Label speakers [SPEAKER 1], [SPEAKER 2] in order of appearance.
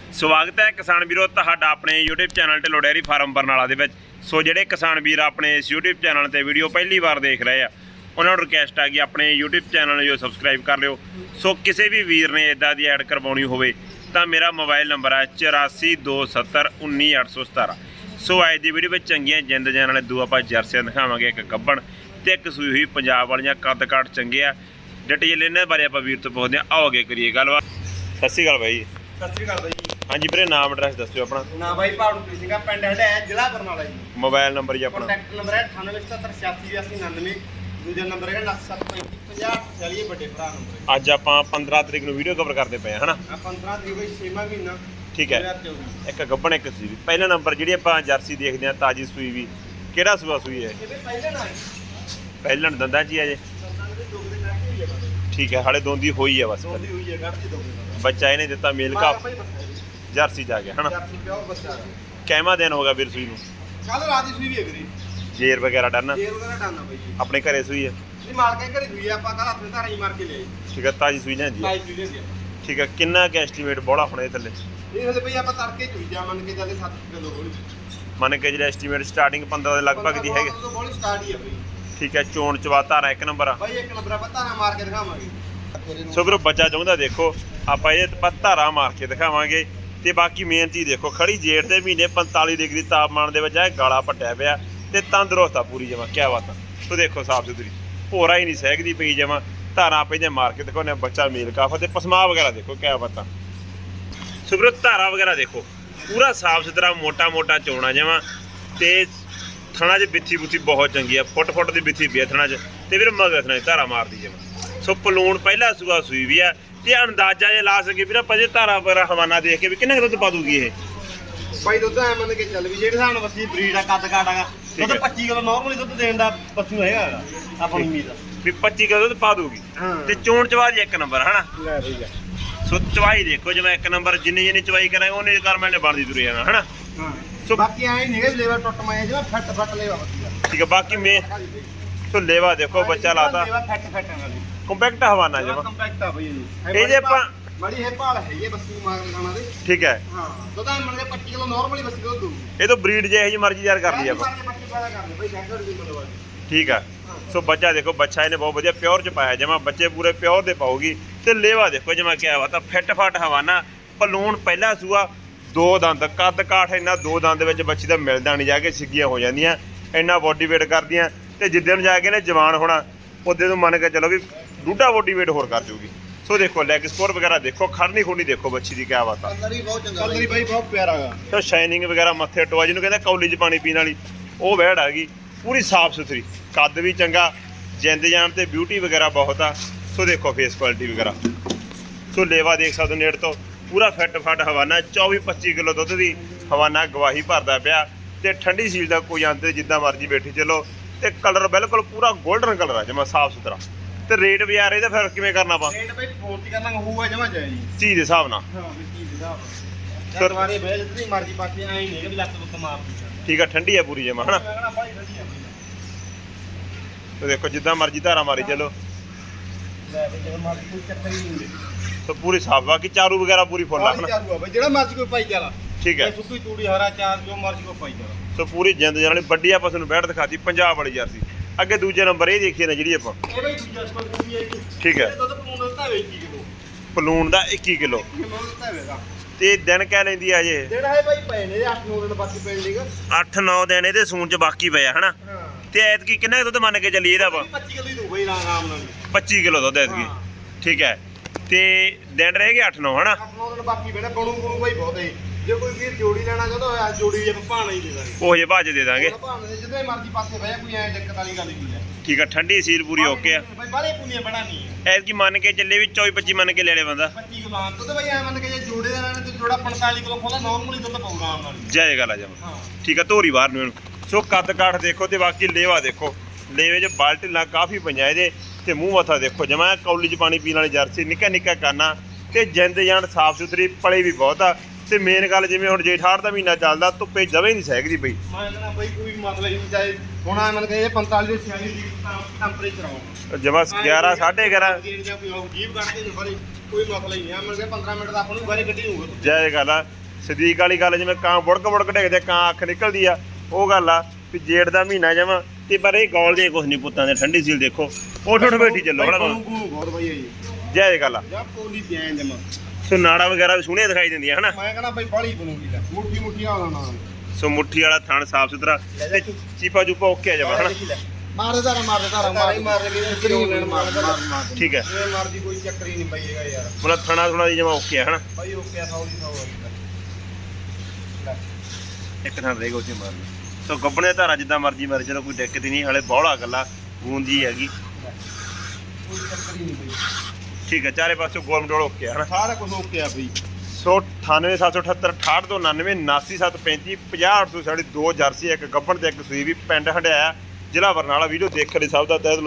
[SPEAKER 1] ਸਵਾਗਤ ਹੈ ਕਿਸਾਨ ਵੀਰੋ ਤੁਹਾਡਾ ਆਪਣੇ YouTube channel Dhillon dairy farm Barnala ਦੇ ਵਿੱਚ। ਸੋ ਜਿਹੜੇ ਕਿਸਾਨ ਵੀਰ ਆਪਣੇ ਇਸ YouTube ਚੈਨਲ ਤੇ ਵੀਡੀਓ ਪਹਿਲੀ ਵਾਰ ਦੇਖ ਰਹੇ ਆ ਉਹਨਾਂ ਨੂੰ ਰਿਕਵੈਸਟ ਆ ਕਿ ਆਪਣੇ YouTube ਚੈਨਲ ਨੂੰ ਸਬਸਕ੍ਰਾਈਬ ਕਰ ਲਿਓ। ਸੋ ਕਿਸੇ ਵੀ ਵੀਰ ਨੇ ਇਦਾਂ ਦੀ ਐਡ ਕਰਵਾਉਣੀ ਹੋਵੇ ਤਾਂ ਮੇਰਾ ਮੋਬਾਈਲ ਨੰਬਰ ਹੈ 8427191817। ਸੋ ਅੱਜ ਦੀ ਵੀਡੀਓ ਵਿੱਚ ਚੰਗੀਆਂ ਜਿੰਦ ਜਾਨ ਵਾਲੇ ਦੋ ਆਪਾਂ ਜਰਸੀਆਂ ਦਿਖਾਵਾਂਗੇ, ਇੱਕ ਗੱਬਣ ਤੇ ਇੱਕ ਸੂਈ ਹੋਈ ਪੰਜਾਬ ਵਾਲੀਆਂ। ਕੱਦ ਕਾਠ ਚੰਗੇ ਆ। ਡਿਟੇਲ ਇਹਨਾਂ ਬਾਰੇ ਆਪਾਂ ਵੀਰ ਤੋਂ ਪੁੱਛਦੇ ਹਾਂ। ਆਓ ਅੱਗੇ ਕਰੀਏ ਗੱਲਬਾਤ। ਸਤਿ ਸ਼੍ਰੀ ਅਕਾਲ ਬਾਈ।
[SPEAKER 2] ਸਤਿ ਸ਼੍ਰੀ ਅਕਾਲ ਬਾਈ।
[SPEAKER 1] ਹਾਂਜੀ ਵੀਰੇ, ਨਾਮ ਐਡਰੈਸ ਦੱਸਿਓ ਆਪਣਾ।
[SPEAKER 2] ਨਾ ਬਾਈ ਭਾਵਨਪ੍ਰੀਤ ਸਿੰਘ, ਪਿੰਡ ਹੈ ਜ਼ਿਲ੍ਹਾ ਬਰਨਾਲਾ ਜੀ।
[SPEAKER 1] ਮੋਬਾਈਲ ਨੰਬਰ ਜੀ ਆਪਣਾ।
[SPEAKER 2] ਕੰਟੈਕਟ ਨੰਬਰ ਹੈ 9877868899। ਦੂਜਾ ਨੰਬਰ ਹੈ 97355040 ਵੱਡੇ ਭਰਾ ਨੰਬਰ।
[SPEAKER 1] ਅੱਜ ਆਪਾਂ 15 ਤਰੀਕ ਨੂੰ ਵੀਡੀਓ ਕਵਰ ਕਰਦੇ ਪਏ ਹਾਂ ਹਨਾ।
[SPEAKER 2] 15 ਤਰੀਕ ਬਾਈ 6ਵਾਂ ਮਹੀਨਾ।
[SPEAKER 1] ਠੀਕ ਹੈ। ਇੱਕ ਗੱਬਣ ਇੱਕ ਸੂਈ। ਪਹਿਲਾ ਨੰਬਰ ਜਿਹੜੀ ਆਪਾਂ ਜਰਸੀ ਦੇਖਦੇ ਹਾਂ ਤਾਜੀ ਸੂਈ ਵੀ, ਕਿਹੜਾ ਸੂਆ ਸੂਈ ਹੈ? ਪਹਿਲਣ ਦੰਦਾਂ 'ਚ ਹੀ ਹੈ ਜੇ। ਠੀਕ ਹੈ, ਹਾਲੇ ਦੋਂਦੀ ਹੋਈ ਹੈ ਬਸ। ਬੱਚਾ ਇਹਨੇ ਦਿੱਤਾ ਮੇਲ ਕਾ ਜਰਸੀ ਜਾ ਗਿਆ ਹਨਾ। ਕਿੰਨਾ ਦਿਨ ਹੋ ਗਿਆ ਵੀਰ ਸੂਈ ਨੂੰ?
[SPEAKER 2] ਕੱਲ ਰਾਤ ਦੀ ਸੂਈ ਵੀ ਹੈ ਵੀਰੇ।
[SPEAKER 1] ਜੇਰ ਵਗੈਰਾ ਡਨ?
[SPEAKER 2] ਜੇਰ ਵਗੈਰਾ ਡਨ ਆ ਬਾਈ ਜੀ।
[SPEAKER 1] ਆਪਣੇ ਘਰੇ ਸੂਈ ਹੈ?
[SPEAKER 2] ਨਹੀਂ, ਮਾਲਕਾਂ ਘਰੇ ਸੂਈ ਆ, ਆਪਾਂ ਕੱਲ ਹੱਥ ਧਾਰਾਂ ਹੀ ਮਾਰ ਕੇ ਲਿਆਏ।
[SPEAKER 1] ਠੀਕ ਹੈ, ਤਾਜੀ ਸੂਈ ਲੈਂਦੀ ਹੈ। ਠੀਕ ਹੈ, ਕਿੰਨਾ ਕਿ ਐਸਟੀਮੇਟ ਬੋਲਾ ਹੁਣ ਇਹ ਥੱਲੇ?
[SPEAKER 2] ਇਹ ਹਲੇ ਬਈ ਆਪਾਂ ਤੜਕੇ ਚੁਈ ਜਾ ਮੰਨ ਕੇ ਜਾਂਦੇ 7 ਕਿਲੋ ਬੋਲੀ।
[SPEAKER 1] ਮੰਨ ਕੇ ਜਿਹੜਾ ਐਸਟੀਮੇਟ ਸਟਾਰਟਿੰਗ 15 ਦੇ ਲਗਭਗ ਦੀ ਹੈਗੇ।
[SPEAKER 2] ਬੋਲੀ ਸਟਾਰਟ ਹੀ ਆ ਬਈ।
[SPEAKER 1] ਠੀਕ ਹੈ, ਚੋਣ ਚਵਾ ਧਾਰਾ ਇੱਕ ਨੰਬਰ ਆ
[SPEAKER 2] ਬਾਈ। ਇੱਕ ਨੰਬਰ ਆਪਾਂ ਧਾਰਾਂ ਮਾਰ ਕੇ ਦਿਖਾਵਾਂਗੇ।
[SPEAKER 1] ਸੋ ਵੀਰੋ ਬੱਚਾ ਚਾਹੁੰਦਾ ਦੇਖੋ ਆਪਾਂ ਇਹਦੇ ਤੇ ਧਾਰਾ ਮਾਰ ਕੇ ਦਿਖਾਵਾਂਗੇ। ਤੇ ਬਾਕੀ ਮੇਨ ਚੀਜ਼ ਦੇਖੋ, ਖੜੀ ਜੇਠ ਦੇ ਮਹੀਨੇ 45 ਡਿਗਰੀ ਤਾਪਮਾਨ ਦੇ ਵਿੱਚ ਇਹ ਗਾਲਾ ਪੱਟਿਆ ਪਿਆ ਤੇ ਤੰਦਰੁਸਤ ਆ ਪੂਰੀ ਜਮਾ। ਕਿਆ ਬਾਤ ਆ। ਸੋ ਦੇਖੋ ਸਾਫ ਸੁਥਰੀ, ਭੋਰਾ ਹੀ ਨਹੀਂ ਸਹਿਕਦੀ ਪਈ ਜਮਾ। ਧਾਰਾ ਪੈਂਦੇ ਮਾਰ ਕੇ ਦੇਖੋ ਨੇ ਬੱਚਾ ਮੇਲ ਕਾਫਾ ਤੇ ਪਸਮਾ ਵਗੈਰਾ ਦੇਖੋ ਕਿਆ ਬਾਤ ਆ। ਸੋ ਵੀਰੋ ਧਾਰਾ ਵਗੈਰਾ ਦੇਖੋ, ਪੂਰਾ ਸਾਫ ਸੁਥਰਾ ਮੋਟਾ ਮੋਟਾ ਚੋਣਾ ਜਮਾ। ਤੇ ਥਣਾ 'ਚ ਬਿੱਥੀ ਬੁੱਥੀ ਬਹੁਤ ਚੰਗੀ ਆ, ਫੁੱਟ ਦੀ ਬਿੱਥੀ ਪਈ ਥਣਾ 'ਚ। ਤੇ ਵੀਰ ਮਗਰ ਥਣਾ ਧਾਰਾ ਮਾਰਦੀ ਜਮਾ। ਸੋ ਪਲੂਣ ਪਹਿਲਾ ਸੂਆ ਸੂਈ ਵੀ ਆ। ਤੇ ਅੰਦਾਜ਼ਾ ਜੇ ਲਾ ਸਕੇ ਵੀਰ ਆਪਾਂ ਜੇ ਧਾਰਾ ਵਗੈਰਾ ਹਵਾਨਾ ਦੇਖ ਕੇ ਵੀ ਕਿੰਨਾ ਦੁੱਧ ਪਾ ਦੂਗੀ ਇਹ?
[SPEAKER 2] ਬਾਈ ਦੁੱਧ ਐ ਮੰਨ ਕੇ ਚੱਲ ਵੀ ਜਿਹੜੇ ਹਿਸਾਬ ਨਾਲ ਬੱਸੀ ਬਰੀਡ ਆ, ਕੱਦ ਕਾਟ ਆਗਾ, ਦੁੱਧ 25 ਕਿਲੋ ਨਾਰਮਲੀ ਦੁੱਧ ਦੇਣ ਦਾ ਪਸ਼ੂ ਹੈਗਾ ਆਪਾਂ ਨੂੰ ਉਮੀਦ ਆ
[SPEAKER 1] ਵੀ 25 ਕਿਲੋ ਦੁੱਧ ਪਾ ਦੂਗੀ। ਤੇ ਚੋਣ ਚਵਾਈ ਇੱਕ ਨੰਬਰ ਹਨਾ।
[SPEAKER 2] ਲੈ ਬਈ।
[SPEAKER 1] ਸੋ ਚਵਾਈ ਦੇਖੋ ਜਿਵੇਂ ਇੱਕ ਨੰਬਰ, ਜਿੰਨੀ ਚਵਾਈ ਕਰਾਂਗੇ ਉਹਨੇ ਕਰਮੈਲ ਨੇ ਬਣਦੀ ਤੁਰੇ ਜਾਣਾ ਹਨਾ।
[SPEAKER 2] ਸੋ ਬਾਕੀ ਐ ਨਹੀਂ ਹੈਗਾ ਲੇਵਰ ਟੁੱਟ ਮਾਇਆ ਜਿਵੇਂ ਫੱਟ ਲੇਵਾ ਵਧੀਆ।
[SPEAKER 1] ਠੀਕ ਹੈ, ਬਾਕੀ ਮੈਂ ਸੋ ਲੇਵਾ ਦੇਖੋ ਬੱਚਾ ਲਾਤਾ
[SPEAKER 2] ਲੇਵਾ ਫੱਟ ਨਾਲ
[SPEAKER 1] ਕੰਪੈਕਟ ਹਵਾਨਾ ਜਮਾ।
[SPEAKER 2] ਕੰਪੈਕਟ ਆ ਬਈ
[SPEAKER 1] ਇਹ ਜੇ ਆਪਾਂ
[SPEAKER 2] ਬੜੀ ਹੈ ਭਾਲ ਹੈਗੀ ਹੈ ਬੱਸੀ ਮਾਰ ਗਾਣਾ ਦੇ।
[SPEAKER 1] ਠੀਕ ਹੈ।
[SPEAKER 2] ਹਾਂ, ਦੁੱਧ ਮੰਨ ਕੇ 25 ਕਿਲੋ ਨਾਰਮਲੀ ਬੱਸੀ ਦੁੱਧ ਦੂ।
[SPEAKER 1] ਇਹ ਤੋਂ ਬਰੀਡ ਜੇ ਜੀ ਮਰਜ਼ੀ ਤਿਆਰ ਕਰ ਲਈ ਆਪਾਂ। ਠੀਕ ਹੈ। ਸੋ ਬੱਚਾ ਦੇਖੋ, ਬੱਚਾ ਇਹਨੇ ਬਹੁਤ ਵਧੀਆ ਪਿਓਰ ਚ ਪਾਇਆ ਜਮਾ। ਬੱਚੇ ਪੂਰੇ ਪਿਓਰ ਦੇ ਪਾਉਗੀ। ਤੇ ਲੇਵਾ ਦੇਖੋ ਜਮਾ ਕਿਆ ਬਾਤ ਆ, ਫਿੱਟ ਫੱਟ ਹਵਾਨਾ। ਪਲੂਣ ਪਹਿਲਾ ਸੂਆ, ਦੋ ਦੰਦ, ਕੱਦ ਕਾਠ ਇੰਨਾ ਦੋ ਦੰਦ ਦੇ ਵਿੱਚ ਬੱਚੀ ਦਾ ਮਿਲਦਾ ਨਹੀਂ, ਜਾ ਕੇ ਸਿੱਗੀਆਂ ਹੋ ਜਾਂਦੀਆਂ, ਇੰਨਾ ਬੋਡੀ ਵੇਟ ਕਰਦੀਆਂ। ਤੇ ਜਿੱਦੇ ਨੂੰ ਜਾ ਕੇ ਨੇ ਜਵਾਨ ਹੋਣਾ ਉਹਦੇ ਨੂੰ ਮੰਨ ਕੇ ਚਲੋ ਵੀ ਡੂਢਾ ਬੋਡੀ ਵੇਟ ਹੋਰ ਕਰ ਜੂਗੀ। ਸੋ ਦੇਖੋ ਲੈਗ ਸਕੋਰ ਵਗੈਰਾ ਦੇਖੋ, ਖੜਨੀ ਖੁੜਨੀ ਦੇਖੋ ਬੱਚੀ ਦੀ ਕਿਆ ਬਾਤ ਆ।
[SPEAKER 2] ਕਲਰ ਬਹੁਤ ਚੰਗਾ ਬਾਈ, ਬਹੁਤ ਪਿਆਰਾ ਹੈਗਾ।
[SPEAKER 1] ਸੋ ਸ਼ਾਈਨਿੰਗ ਵਗੈਰਾ ਮੱਥੇ ਟੋਆ ਜਿਹਨੂੰ ਕਹਿੰਦਾ ਕੌਲੀ 'ਚ ਪਾਣੀ ਪੀਣ ਵਾਲੀ, ਉਹ ਵਹਿੜ ਆ ਗਈ। ਪੂਰੀ ਸਾਫ ਸੁਥਰੀ, ਕੱਦ ਵੀ ਚੰਗਾ, ਜਿੰਦ ਜਾਨ ਤੇ ਬਿਊਟੀ ਵਗੈਰਾ ਬਹੁਤ ਆ। ਸੋ ਦੇਖੋ ਫੇਸ ਕੁਆਲਿਟੀ ਵਗੈਰਾ। ਸੋ ਲੇਵਾ ਦੇਖ ਸਕਦੇ ਹੋ ਨੇੜ ਤੋਂ, ਪੂਰਾ ਫਿੱਟ ਫੱਟ ਹਵਾਨਾ। 24-25 ਕਿਲੋ ਦੁੱਧ ਦੀ ਹਵਾਨਾ ਗਵਾਹੀ ਭਰਦਾ ਪਿਆ। ਤੇ ਠੰਡੀ ਸੀਲ ਦਾ ਕੋਈ ਅੰਤ ਜਿੱਦਾਂ ਮਰਜ਼ੀ ਬੈਠੀ ਚਲੋ। ਤੇ ਕਲਰ ਬਿਲਕੁਲ ਪੂਰਾ ਗੋਲਡਨ ਕਲਰ ਆ ਜਮਾ ਸਾਫ ਸੁਥਰਾ। ਤੇ ਰੇਟ ਵੀ ਯਾਰ ਇਹਦਾ ਫਿਰ ਕਿਵੇਂ ਕਰਨਾ ਆਪਾਂ?
[SPEAKER 2] ਰੇਟ ਬਈ ਫੋਰਟੀ ਕਰਨਾ ਹੋਊਗਾ ਜਮਾ ਜਾਏ ਜੀ
[SPEAKER 1] ਚੀਜ਼ ਦੇ ਹਿਸਾਬ ਨਾਲ।
[SPEAKER 2] ਹਾਂ ਵੀ ਚੀਜ਼ ਦੇ ਹਿਸਾਬ ਨਾਲ। ਸਰ ਵਾਰੇ ਬਈ ਜਿੱਦੀ ਮਰਜ਼ੀ ਪਾਕੇ ਐ ਨਹੀਂ ਕਿ ਲੱਤ ਲੁੱਤ ਮਾਰ ਦੀ।
[SPEAKER 1] ਠੀਕ ਆ, ਠੰਡੀ ਆ ਪੂਰੀ ਜਮਾ ਹਨਾ। ਤੇ ਦੇਖੋ ਜਿੱਦਾਂ ਮਰਜ਼ੀ ਧਾਰਾ ਮਾਰੀ ਚਲੋ।
[SPEAKER 2] ਲੈ ਬਈ ਜਦੋਂ ਮਰਜ਼ੀ ਕੋਈ ਚੱਕਰ ਹੀ ਨਹੀਂ।
[SPEAKER 1] ਸੋ ਪੂਰੀ ਸਾਫ, ਬਾਕੀ ਚਾਰੂ ਵਗੈਰਾ ਪੂਰੀ ਫੁੱਲ ਆ ਹਨਾ।
[SPEAKER 2] ਚਾਰੂ ਆ ਬਈ, ਜਿਹੜਾ ਮਰਜ਼ੀ ਕੋਈ ਪਾਈ ਜਾਲਾ।
[SPEAKER 1] ਠੀਕ ਹੈ।
[SPEAKER 2] ਸੁੱਕੀ ਤੂੜੀ ਹਰਾ ਚਾਰ ਜੋ ਮਰਜ਼ੀ ਕੋਈ ਪਾਈ ਜਾਲਾ।
[SPEAKER 1] ਸੋ ਪੂਰੀ ਜਿੰਦ ਜਾਨ ਵਾਲੀ ਵੱਡੀ ਆਪਾਂ ਤੁਹਾਨੂੰ ਬੈਠ ਦਿਖਾਤੀ ਪੰਜਾਬ ਵਾਲੀ ਜਰਸੀ। ਅੱਗੇ ਦੂਜੇ ਨੰਬਰ ਇਹ ਦੇਖੀਏ ਨਾ ਜਿਹੜੀ ਆਪਾਂ।
[SPEAKER 2] ਇਹ ਬਈ ਦੂਜਾ ਸਪੋਰਟ ਵੀ ਹੈ ਜੀ।
[SPEAKER 1] ਠੀਕ ਹੈ।
[SPEAKER 2] ਦੁੱਧ ਪੂਣ ਦਿੱਤਾ 21 ਕਿਲੋ।
[SPEAKER 1] ਪਲੂਣ ਦਾ 21 ਕਿਲੋ।
[SPEAKER 2] ਦਿੱਤਾ ਹੋਵੇਗਾ।
[SPEAKER 1] ਤੇ ਦਿਨ ਕਹਿ ਲੈਂਦੀ ਆ ਜੇ?
[SPEAKER 2] ਜਿਹੜਾ ਹੈ ਬਾਈ ਪਏ ਨੇ 8-9 ਦਿਨ ਬਾਕੀ ਪੈਣ ਲੀਗਾ।
[SPEAKER 1] 8-9 ਦਿਨ ਇਹਦੇ ਸੂਣ ਚ ਬਾਕੀ ਪਿਆ ਹਨਾ।
[SPEAKER 2] ਹਾਂ।
[SPEAKER 1] ਤੇ ਐਤਕੀ ਕਿੰਨਾ ਦੁੱਧ ਮੰਨ ਕੇ ਚੱਲੀ ਇਹਦਾ ਆਪਾਂ?
[SPEAKER 2] 25 ਕਿਲੋ ਹੀ ਦੂ ਬਈ ਆਰਾਮ ਨਾਲ।
[SPEAKER 1] 25 ਕਿਲੋ ਦੁੱਧ ਐਤਕੀ। ਠੀਕ ਹੈ। ਤੇ ਦਿਨ ਰਹਿ ਗਏ 8-9 ਹਨਾ।
[SPEAKER 2] 8-9 ਦਿਨ ਬਾਕੀ ਪੈਣਾ। ਬਣੂ ਬਾਈ ਬਹੁਤ ਹੈ। ਜੇ ਕੋਈ ਵੀਰ ਜੋੜੀ ਲੈਣਾ ਚਾਹੁੰਦਾ ਹੋਇਆ ਜੋੜੀ ਜੇ ਭਾਣਾ ਹੀ ਦੇ ਦਾਂਗੇ।
[SPEAKER 1] ਉਹ ਜੇ ਭਾਜ ਦੇ ਦਾਂਗੇ।
[SPEAKER 2] ਭਾਣੇ ਜਿੱਦੇ ਮਰਜ਼ੀ ਪਾਸੇ ਬਹਿ, ਕੋਈ ਐ ਦਿੱਕਤ ਵਾਲੀ ਗੱਲ ਨਹੀਂ ਹੈ।
[SPEAKER 1] ਠੀਕ ਆ, ਠੰਡੀ ਸੀਲ ਪੂਰੀ ਓਕੇ ਆ।
[SPEAKER 2] ਬਈ ਬਾਲੇ ਪੁੰਨੀਆਂ ਬੜਾ ਨਹੀਂ ਹੈ।
[SPEAKER 1] ਐਤਕੀ ਮੰਨ ਕੇ ਚੱਲੇ ਵੀ 24-25 ਮੰਨ ਕੇ ਲੈ ਲੈ ਬੰਦਾ।
[SPEAKER 2] 25 ਕਿਲੋ ਆਮ ਦੁੱਧ ਬਈ ਐ ਮੰਨ ਕੇ ਜੇ ਜੋੜੇ ਦਾ ਲੈਣਾ ਤੇ ਜੋੜਾ 45 ਕਿਲੋ ਖੋਲਾ ਨਾਰਮਲੀ ਦੁੱਧ ਪਾਊਗਾ ਆਰਾਮ ਨਾਲ।
[SPEAKER 1] ਜੈ ਗੱਲ ਆ ਜਮ।
[SPEAKER 2] ਹਾਂ।
[SPEAKER 1] ਠੀਕ ਆ, ਧੋਰੀ ਬਾਹਰ ਨੂੰ ਇਹਨੂੰ। ਸੋ ਕੱਦ ਕਾਠ ਦੇਖੋ ਤੇ ਬਾਕੀ ਲੇਵਾ ਦੇਖੋ। ਲੇਵੇ 'ਚ ਬਾਲਟੀਲਾਂ ਕਾਫੀ ਪਈਆਂ ਇਹਦੇ। ਤੇ ਮੂੰਹ ਮੱਥਾ ਦੇਖੋ ਜਮਾ ਕੌਲੀ 'ਚ ਪਾਣੀ ਪੀਣ ਵਾਲੀ ਜਰਸੀ, ਨਿੱਕਾ ਨਿੱਕਾ ਕਾਨਾ। ਤੇ ਜਿੰਦ ਜਾਨ ਸਾਫ ਸੁਥਰੀ, ਪਲੇ ਵੀ ਬਹੁਤ ਆ। ਤੇ ਮੇਨ ਗੱਲ ਜਿਵੇਂ ਹੁਣ ਜੇਠ ਹਾੜ ਦਾ ਮਹੀਨਾ ਚੱਲਦਾ, ਧੁੱਪੇ ਜਵੇਂ ਨਹੀਂ ਸਹਿਕਦੀ ਪਈ।
[SPEAKER 2] ਮੈਂ ਕਹਿੰਦਾ ਬਈ ਕੋਈ ਮਤਲਬ ਨਹੀਂ ਚਾਹੇ ਹੁਣ ਆ ਮੰਨ ਕੇ 45 ਤੋਂ 46 ਡਿਗਰੀ ਟੈਂਪਰੇਚਰ ਆਉਂਦਾ
[SPEAKER 1] ਜਮਾ 11 11:30
[SPEAKER 2] ਜੀਵ ਕੱਢ ਕੇ ਬੜੀ ਕੋਈ ਮਸਲਾ ਹੀ ਨਹੀਂ ਆ। ਮਿਲ ਕੇ 15 ਮਿੰਟ ਦਾ ਆਪਾਂ ਨੂੰ ਬਾਰੇ ਗੱਡੀ ਹੋਊਗਾ।
[SPEAKER 1] ਜੈ ਗੱਲ ਆ। ਸਦੀਕ ਵਾਲੀ ਗੱਲ ਜਿਵੇਂ ਕਾਂ ਬੁੜਕ ਡਿੱਗਦੇ ਕਾਂ ਅੱਖ ਨਿਕਲਦੀ ਆ ਉਹ ਗੱਲ ਆ ਵੀ ਜੇਠ ਦਾ ਮਹੀਨਾ ਜਮਾ ਤੇ ਪਰ ਇਹ ਗੋਲ ਦੇ ਕੁਛ ਨਹੀਂ ਪੁੱਤਾਂ ਦੇ ਠੰਡੀ ਸੀਲ ਦੇਖੋ ਉੱਠ ਬੈਠੀ ਚੱਲੋ ਹਣਾ
[SPEAKER 2] ਬਹੁਤ ਵਧੀਆ ਜੀ
[SPEAKER 1] ਜੈ ਇਹ ਗੱਲ ਆ
[SPEAKER 2] ਜਾਂ ਪੋਲੀ ਪਿਆ ਜਮਾ
[SPEAKER 1] ਸੋ ਨਾੜਾ ਵਗੈਰਾ ਵੀ ਸੋਹਣੀਆਂ ਦਿਖਾਈ ਦਿੰਦੀਆਂ ਹਨਾ
[SPEAKER 2] ਮੈਂ ਕਹਿੰਦਾ ਬਈ ਬਾਲੀ ਬਣੂਗੀ ਲੈ ਮੁੱਠੀ ਵਾਲਾ ਨਾਲ
[SPEAKER 1] ਸੋ ਮੁੱਠੀ ਵਾਲਾ ਥਣ ਸਾਫ ਸੁਥਰਾ ਤੇ ਚੀਪਾ ਚੂਪਾ ਓਕੇ ਆ ਜਮਾ ਹਨਾ
[SPEAKER 2] ਮਾਰ ਦੇ ਮਾਰ
[SPEAKER 1] ਠੀਕ ਹੈ
[SPEAKER 2] ਇਹ ਮਰਦੀ ਕੋਈ ਚੱਕਰ ਹੀ ਨਹੀਂ ਪਈਏਗਾ ਯਾਰ
[SPEAKER 1] ਮਤਲਬ ਥਣਾ ਥੁਣਾ ਦੀ ਜਮਾ ਓਕੇ ਆ ਹਨਾ
[SPEAKER 2] ਬਾਈ ਓਕੇ ਆ 100 ਦੀ 100 ਲੈ
[SPEAKER 1] ਇੱਕ ਥਾਂ ਰਹੇਗਾ ਉੱਥੇ ਮਾਰਨੀ ਸੋ ਗੱਬਣੇ ਧਾਰਾ ਜਿੱਦਾਂ ਮਰਜੀ ਮਾਰੇ ਚਲੋ ਕੋਈ ਦਿੱਕਤ ਹੀ ਨਹੀਂ ਹਲੇ ਬੌਲਾ ਗੱਲਾ ਗੂੰਦੀ ਹੈਗੀ
[SPEAKER 2] ਕੋਈ ਚੱਕਰ ਹੀ ਨਹੀਂ ਬਈ
[SPEAKER 1] ਠੀਕ ਹੈ ਚਾਰੇ ਪਾਸੇ ਗੋਲ ਮਟੋਲ ਓਕੇ ਆ ਹਨਾ
[SPEAKER 2] ਸਾਰਾ ਕੁਝ ਓਕੇ ਆ ਬਈ
[SPEAKER 1] ਸੋ 98778 6899 89735 50800 ਸਾਡੀ 2 ਜਰਸੀ ਇੱਕ ਗੱਬਣ ਤੇ ਇੱਕ ਸੂਈ ਵੀ ਪਿੰਡ ਹੰਡਿਆਇਆ ਜ਼ਿਲ੍ਹਾ ਬਰਨਾਲਾ ਵੀਡੀਓ ਦੇਖਣ ਲਈ ਸਭ ਦਾ ਤਹਿ ਦਿਲੋਂ